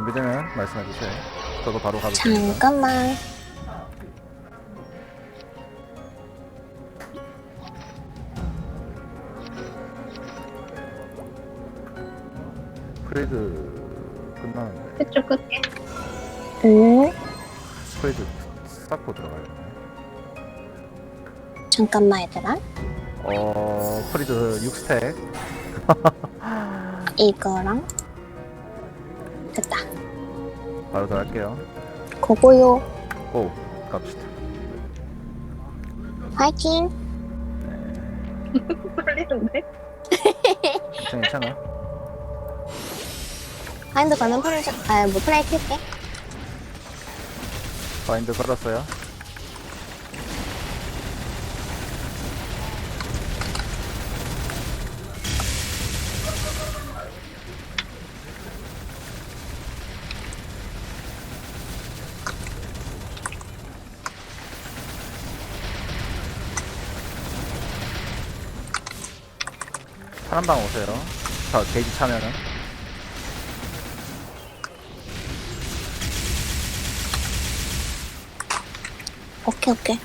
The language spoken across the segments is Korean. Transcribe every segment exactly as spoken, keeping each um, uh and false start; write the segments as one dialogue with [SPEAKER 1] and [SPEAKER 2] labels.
[SPEAKER 1] 준비되면 말씀해주세요. 저도 바로 가도 됩니다.
[SPEAKER 2] 잠깐만.
[SPEAKER 1] 프레드 끝나는데
[SPEAKER 3] 끝줄 끌게.
[SPEAKER 2] 응.
[SPEAKER 1] 프레드 쌓고 들어가야겠네.
[SPEAKER 2] 잠깐만 얘들아.
[SPEAKER 1] 어 프리드 육 스택.
[SPEAKER 2] 이거랑 됐다.
[SPEAKER 1] 바로 들어갈게요.
[SPEAKER 2] 고고요.
[SPEAKER 1] 고 갑시다.
[SPEAKER 2] 화이팅.
[SPEAKER 3] 떨리는데?
[SPEAKER 1] 괜찮아 괜찮아.
[SPEAKER 2] 바인드 가는 프레이 아뭐 프레이 킬게.
[SPEAKER 1] 바인드 걸었어요. 파란방 오세요. 저 게이지 차면은
[SPEAKER 2] 오케이 오케이.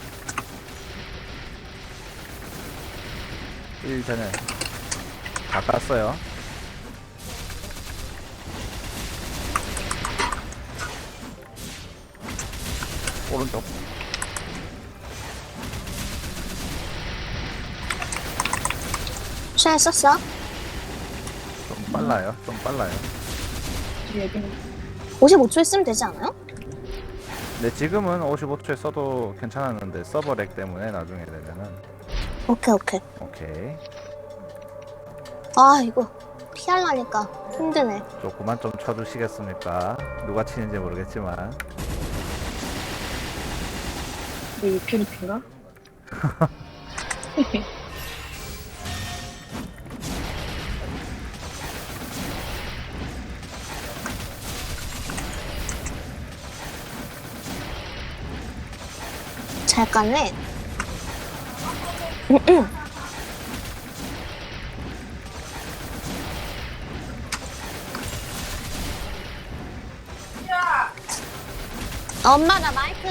[SPEAKER 1] 일 전에 다 깠어요. 오른쪽
[SPEAKER 2] 쉘 썼어?
[SPEAKER 1] 좀 빨라요. 좀 빨라요.
[SPEAKER 3] 여기는
[SPEAKER 2] 오십오 초에 쓰면 되지 않아요?
[SPEAKER 1] 근데 지금은 오십오 초에 써도 괜찮았는데 서버 렉 때문에 나중에 되면은
[SPEAKER 2] 오케이 오케이.
[SPEAKER 1] 오케이.
[SPEAKER 2] 아 이거 피하려니까 힘드네.
[SPEAKER 1] 조금만 좀 쳐주시겠습니까? 누가 치는지 모르겠지만
[SPEAKER 3] 이 퓨리트인가?
[SPEAKER 2] 잘 깠네. 엄마 나 마이크.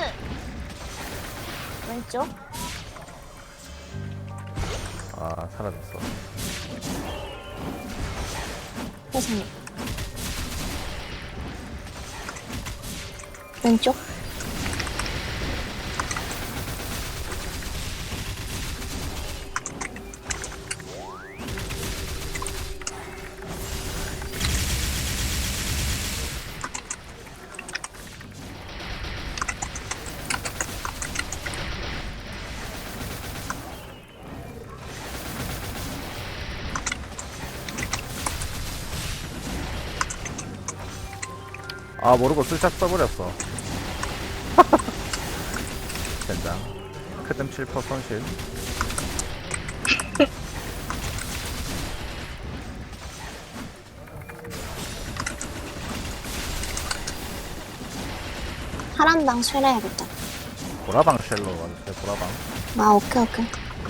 [SPEAKER 2] 왼쪽.
[SPEAKER 1] 아 사라졌어.
[SPEAKER 2] 세상에. 왼쪽.
[SPEAKER 1] 아 모르고 슬쩍 써버렸어. 된장. 크듬 칠 퍼센트 손실.
[SPEAKER 2] 파란방 쇠해야겠다.
[SPEAKER 1] 보라방 쉘로 와주세요. 보라방.
[SPEAKER 2] 아 오케이 오케이.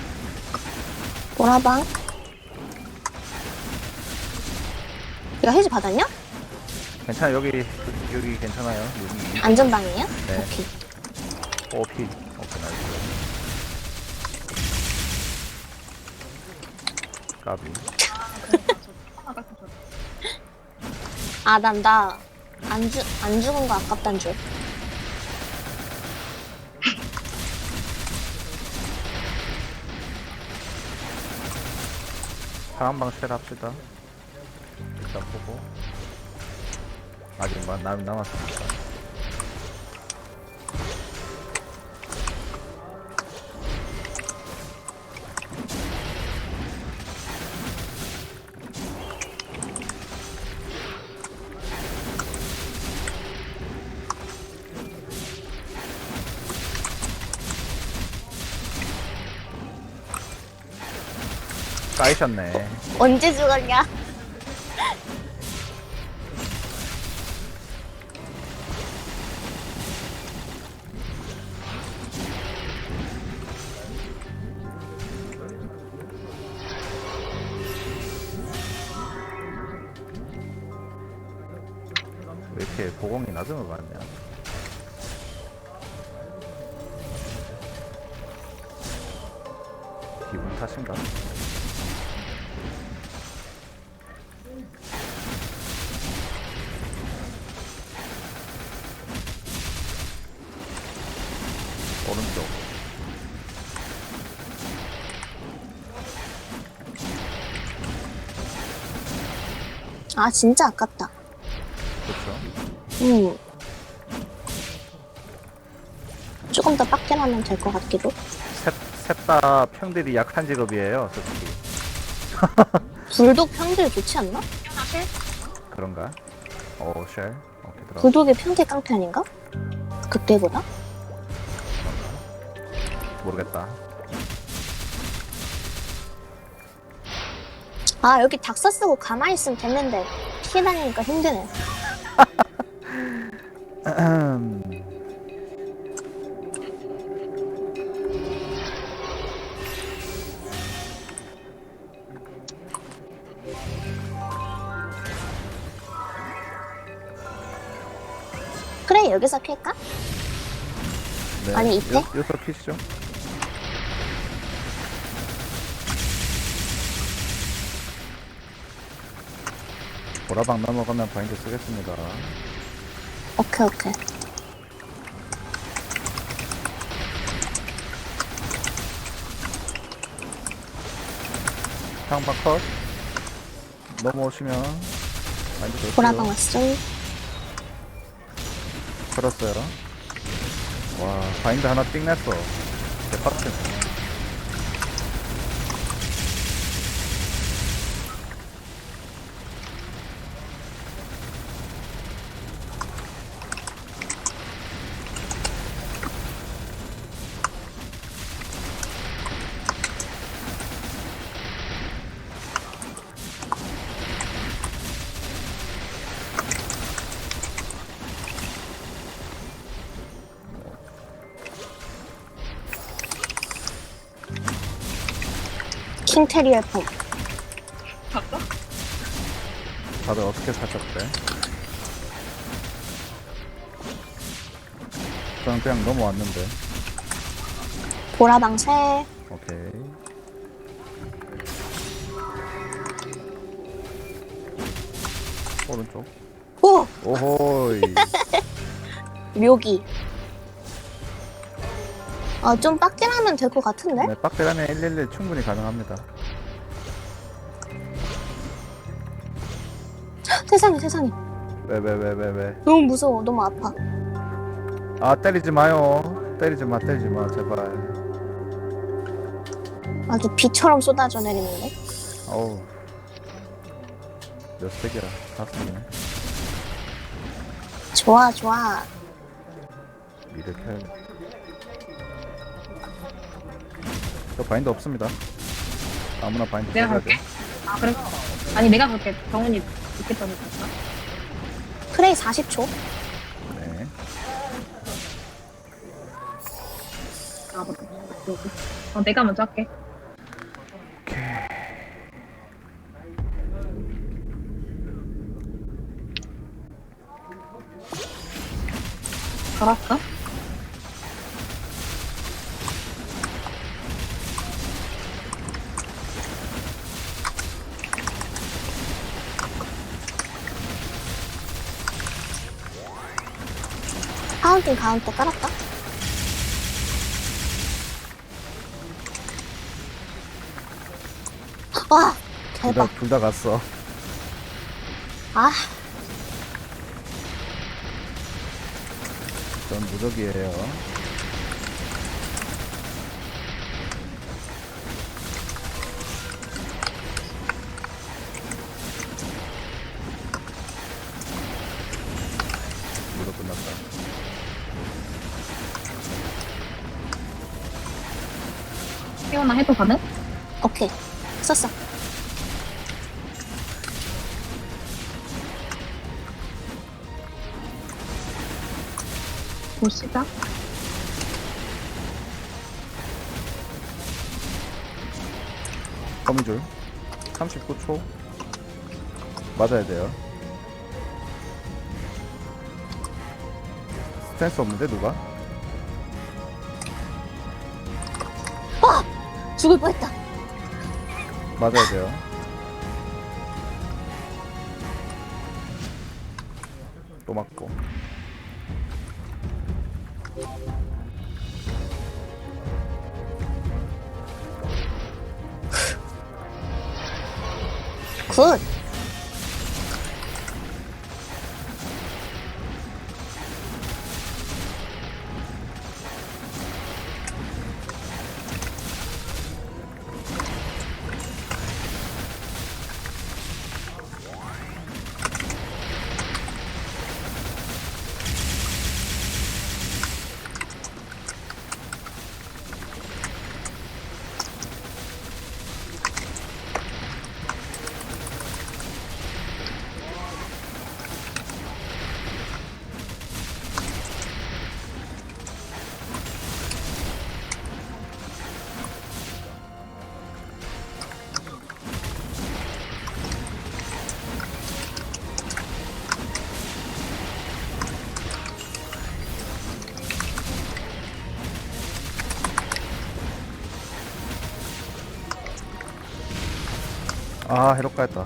[SPEAKER 2] 보라방. 이거 해지 받았냐?
[SPEAKER 1] 괜찮아. 여기 여기 괜찮아요. 여기
[SPEAKER 2] 안전방이에요?
[SPEAKER 1] 네.
[SPEAKER 2] 오케이.
[SPEAKER 1] 오피. 오케이 나이스. 까비.
[SPEAKER 2] 아, 난, 나, 안 죽, 안 죽은 거 아깝단 줄.
[SPEAKER 1] 파란방 쉘 합시다. 일단 보고. 아직 남, 남, 남았습니다. 까이셨네.
[SPEAKER 2] 언제 죽었냐?
[SPEAKER 1] 왜 이렇게 보공이 낮은 것 같냐? 기분 탓인가? 오른쪽.
[SPEAKER 2] 아, 진짜 아깝다.
[SPEAKER 1] 그렇죠.
[SPEAKER 2] 음. 조금 더 빡게 하면 될 것 같기도.
[SPEAKER 1] 셋 다 평들이 약한 직업이에요, 솔직히.
[SPEAKER 2] 불독 평딜 좋지 않나?
[SPEAKER 1] 그런가? 오, 쉘. 오케이, 들어.
[SPEAKER 2] 불독이 평딜 깡패 아닌가? 그때보다?
[SPEAKER 1] 모르겠다.
[SPEAKER 2] 아, 여기 닥사 쓰고 가만히 있으면 됐는데 피해 다니니까 힘드네. 그래, 여기서 킬까?
[SPEAKER 1] 네.
[SPEAKER 2] 아니, 이때?
[SPEAKER 1] 요, 요소 키시죠? 보라방 넘어가면 바인드 쓰겠습니다.
[SPEAKER 2] 오케이, 오케이.
[SPEAKER 1] 상방 컷. 넘어오시면 바인드 넣을게요.
[SPEAKER 2] 보라방 왔어.
[SPEAKER 1] 걸었어요. 와, 바인드 하나 띵 냈어. 대박이네.
[SPEAKER 2] 킹테리얼 폼.
[SPEAKER 3] 봤어?
[SPEAKER 1] 다들 어떻게 사셨대? 저는 그냥 넘어왔는데.
[SPEAKER 2] 보라방 새.
[SPEAKER 1] 오케이. 오른쪽.
[SPEAKER 2] 오!
[SPEAKER 1] 오호이.
[SPEAKER 2] 묘기. 아, 좀 빡게 하면 될 것 같은데?
[SPEAKER 1] 네, 빡대라면 일일일 충분히 가능합니다.
[SPEAKER 2] 세상에, 세상에.
[SPEAKER 1] 왜, 왜, 왜, 왜, 왜.
[SPEAKER 2] 너무 무서워. 너무 아파.
[SPEAKER 1] 아, 때리지 마요. 때리지 마, 때리지 마, 제발.
[SPEAKER 2] 아주 비처럼 쏟아져 내리는데?
[SPEAKER 1] 어우. 몇 스택이야? 다섯 스택이네.
[SPEAKER 2] 좋아, 좋아.
[SPEAKER 1] 미를 켜야겠다. 저 바인드 없습니다. 아무나 바인드
[SPEAKER 3] 내가
[SPEAKER 1] 써야
[SPEAKER 3] 갈게.
[SPEAKER 1] 돼.
[SPEAKER 3] 아, 그래? 아니, 내가 그렇게 병원이 있겠다고 했어.
[SPEAKER 2] 프레이 사십 초.
[SPEAKER 1] 네.
[SPEAKER 3] 아, 맞다. 어, 내가 먼저 할게. 걸었어?
[SPEAKER 2] 파운틴 가운데 깔았다. 와,
[SPEAKER 1] 둘
[SPEAKER 2] 대박.
[SPEAKER 1] 다, 둘 다 갔어.
[SPEAKER 2] 아,
[SPEAKER 1] 전 무적이에요. 무적 끝났다.
[SPEAKER 3] 태어나 해도 가능?
[SPEAKER 2] 오케이. 썼어.
[SPEAKER 3] 보시다.
[SPEAKER 1] 거미줄. 삼십구 초. 맞아야 돼요. 센스 없는데 누가?
[SPEAKER 2] 와! 죽을 뻔했다.
[SPEAKER 1] 맞아야 돼요. 또 맞고.
[SPEAKER 2] 굿!
[SPEAKER 1] 아, 해롭가 했다.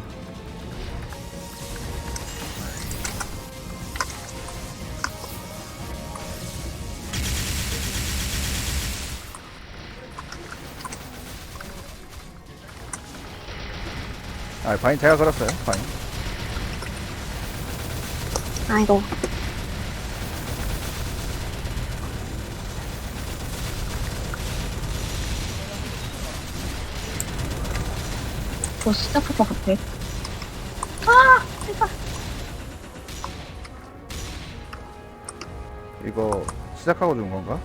[SPEAKER 1] 아, 바인 제가 걸었어요. 바인.
[SPEAKER 2] 아이고.
[SPEAKER 3] 저 시작할 것 같아.
[SPEAKER 1] 이거 시작하고 준 건가?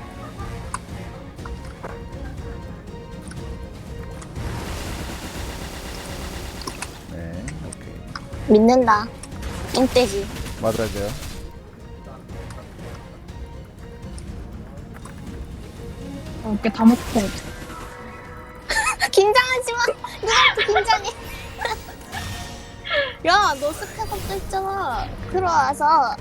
[SPEAKER 1] 네, 오케이.
[SPEAKER 2] 믿는다. 똥돼지.
[SPEAKER 1] 맞아야 돼요.
[SPEAKER 3] 어, 이게 다 먹고.
[SPEAKER 2] 긴장하지 마. 누구한테 긴장해. 야, 너 스펙업도 있잖아. 들어와서.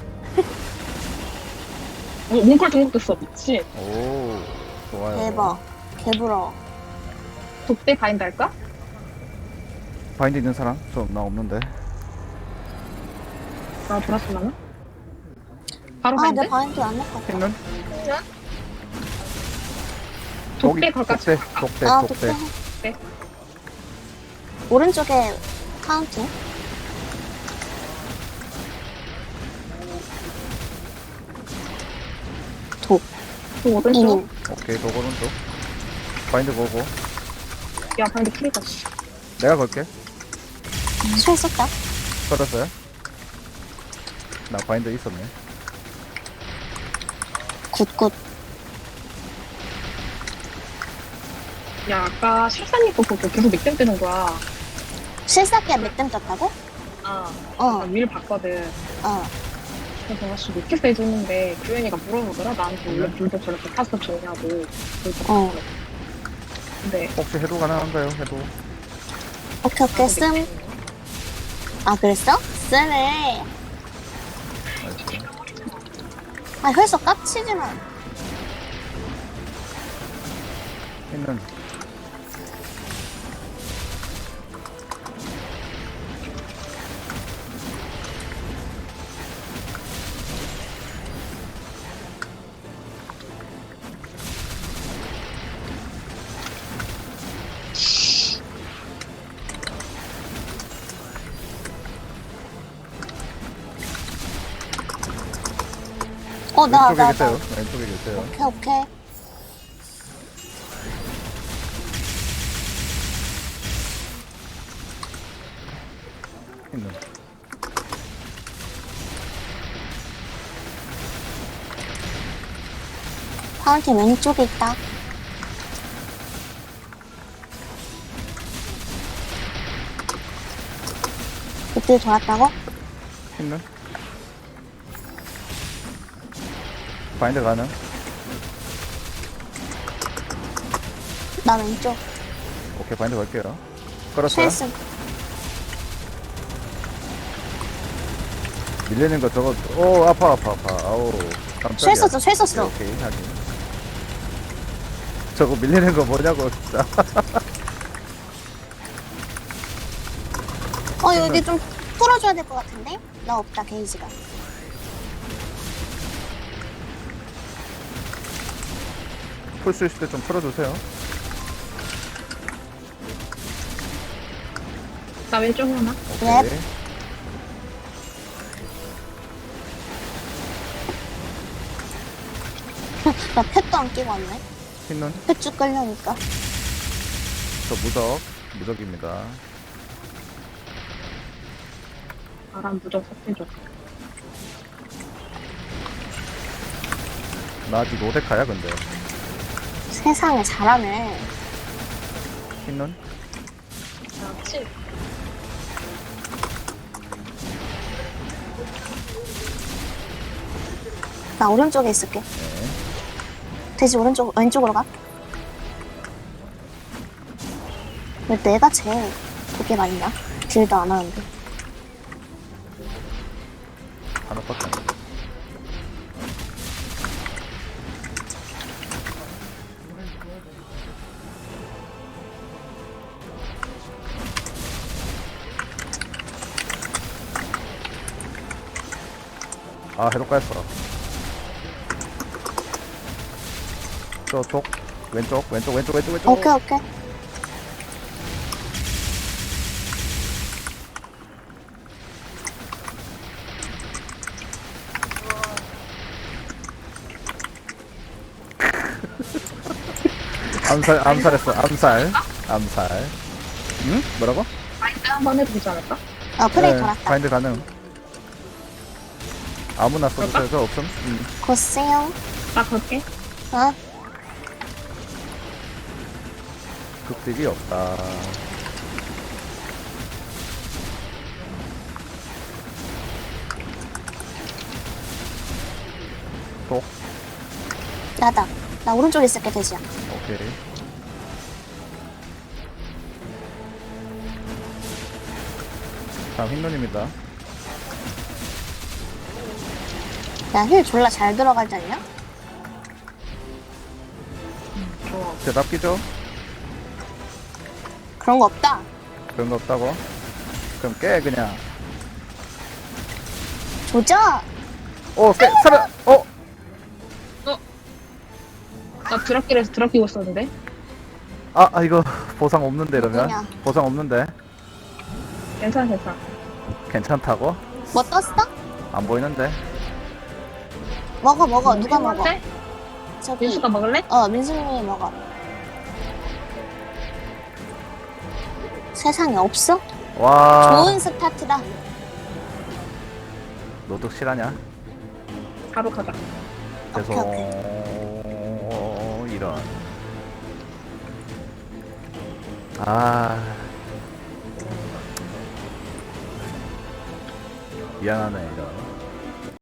[SPEAKER 3] 어, 몽골 등록됐어. 미치.
[SPEAKER 1] 오, 좋아요.
[SPEAKER 2] 대박. 개부러워.
[SPEAKER 3] 독대 바인드 할까?
[SPEAKER 1] 바인드 있는 사람? 저 나 없는데.
[SPEAKER 3] 나 돌았으려나? 바로
[SPEAKER 2] 아,
[SPEAKER 3] 바인드?
[SPEAKER 2] 내 바인드 안 넣고.
[SPEAKER 1] 힘는?
[SPEAKER 3] 독대 걸까?
[SPEAKER 1] 독대, 독대,
[SPEAKER 2] 아,
[SPEAKER 1] 독대.
[SPEAKER 2] 독대.
[SPEAKER 3] 네.
[SPEAKER 2] 오른쪽에 카운팅. 독.
[SPEAKER 3] 그 오른쪽.
[SPEAKER 2] 이닝.
[SPEAKER 1] 오케이, 도 오른쪽. 바인드 보고.
[SPEAKER 3] 야, 바인드 키리다, 씨.
[SPEAKER 1] 내가 걸게.
[SPEAKER 2] 술 썼다.
[SPEAKER 1] 걸었어요? 나 바인드 있었네.
[SPEAKER 2] 굿굿.
[SPEAKER 3] 야, 아까 실사님 거 보고 계속 맥댐 뜨는 거야.
[SPEAKER 2] 실사기야 몇댐 떴다고?
[SPEAKER 3] 아,
[SPEAKER 2] 어,
[SPEAKER 3] 나 위를 봤거든.
[SPEAKER 2] 어.
[SPEAKER 3] 그래서 아씨 몇 개서 해줬는데 규현이가 물어보더라. 나한테 원래 불도 저렇게 타서 좋냐고. 그래서
[SPEAKER 2] 어.
[SPEAKER 3] 근데
[SPEAKER 1] 혹시 해도 가능한가요? 해도.
[SPEAKER 2] 오케이, 오케이, 씀. 아, 그랬어? 쓰네.
[SPEAKER 1] 나이스.
[SPEAKER 2] 아, 혈서 깝치지 마.
[SPEAKER 1] 있는.
[SPEAKER 2] 어, 나,
[SPEAKER 1] 왼쪽에
[SPEAKER 2] 나, 나.
[SPEAKER 1] 계세요. 왼쪽에 계세요.
[SPEAKER 2] 오케이, 오케이.
[SPEAKER 1] 있는.
[SPEAKER 2] 파운틴 왼쪽에 있다. 그때 돌았다고?
[SPEAKER 1] 있는. 바인드 가능.
[SPEAKER 2] 나 왼쪽.
[SPEAKER 1] 오케이, 바인드 걸게요. 걸었어요.
[SPEAKER 2] 쉘슨.
[SPEAKER 1] 밀리는 거 저거. 오, 아파, 아파, 아파. 아우. 깜짝이야.
[SPEAKER 2] 쉘 썼어, 쉘 썼어.
[SPEAKER 1] 오케이, 오케이, 하긴. 저거 밀리는 거 뭐냐고, 진짜.
[SPEAKER 2] 어, 여기 좀 풀어줘야 될 것 같은데? 나 없다, 게이지가.
[SPEAKER 1] 풀 수 있을 때 좀 풀어주세요.
[SPEAKER 3] 나 왼쪽 하나.
[SPEAKER 2] 네.
[SPEAKER 1] 오케이.
[SPEAKER 2] 나 펫도 안 끼고 왔네.
[SPEAKER 1] 흰눈,
[SPEAKER 2] 펫쭉 끌려니까.
[SPEAKER 1] 저 무적, 무적입니다.
[SPEAKER 3] 바람 무적 섭해줘.
[SPEAKER 1] 나 아직 노데카야, 근데.
[SPEAKER 2] 세상에 잘하네.
[SPEAKER 1] 흰눈,
[SPEAKER 3] 그렇지.
[SPEAKER 2] 나 오른쪽에 있을게.
[SPEAKER 1] 네.
[SPEAKER 2] 돼지 오른쪽, 왼쪽으로 가. 왜 내가 제일 그게 많냐? 딜도 안 하는데.
[SPEAKER 1] 하나밖에 안 돼. 아, 해독가했어. 저쪽, 왼쪽, 왼쪽, 왼쪽, 왼쪽, 왼쪽.
[SPEAKER 2] 오케이, 오케이.
[SPEAKER 1] 암살, 암살했어. 암살, 암살. 응? 뭐라고?
[SPEAKER 3] 마인드 한번 해도 되지 않을까?
[SPEAKER 2] 어, 프레이
[SPEAKER 1] 네,
[SPEAKER 2] 돌았다.
[SPEAKER 1] 바인드 가능. 아무나 써주세요. 저 없음. 응.
[SPEAKER 2] 고세요.
[SPEAKER 3] 나 걸게.
[SPEAKER 2] 어?
[SPEAKER 1] 극딜이 없다. 독.
[SPEAKER 2] 나다. 나 오른쪽에 있을게, 돼지야.
[SPEAKER 1] 오케이. 다음 흰눈입니다.
[SPEAKER 2] 야, 힐 졸라 잘 들어가지 않냐?
[SPEAKER 3] 좋아.
[SPEAKER 1] 대답 끼죠?
[SPEAKER 2] 그런 거 없다.
[SPEAKER 1] 그런 거 없다고? 그럼 깨 그냥.
[SPEAKER 2] 조져!
[SPEAKER 1] 어, 깨 살아. 어.
[SPEAKER 3] 나 드랍길에서 드랍 끼고 있었는데.
[SPEAKER 1] 아, 아 이거 보상 없는데 이러면
[SPEAKER 2] 뭐냐?
[SPEAKER 1] 보상 없는데
[SPEAKER 3] 괜찮아, 괜찮아.
[SPEAKER 1] 괜찮다고?
[SPEAKER 2] 뭐 떴어?
[SPEAKER 1] 안 보이는데.
[SPEAKER 2] 먹어, 먹어. 누가 먹어?
[SPEAKER 3] 먹을래?
[SPEAKER 2] 저기.
[SPEAKER 3] 민수가 먹을래?
[SPEAKER 2] 어, 민수님이 먹어. 세상에 없어?
[SPEAKER 1] 와.
[SPEAKER 2] 좋은 스타트다.
[SPEAKER 1] 노득 실하냐?
[SPEAKER 3] 바로 가자.
[SPEAKER 1] 죄송.
[SPEAKER 2] 오케이,
[SPEAKER 1] 이런. 아. 미안하네 이런.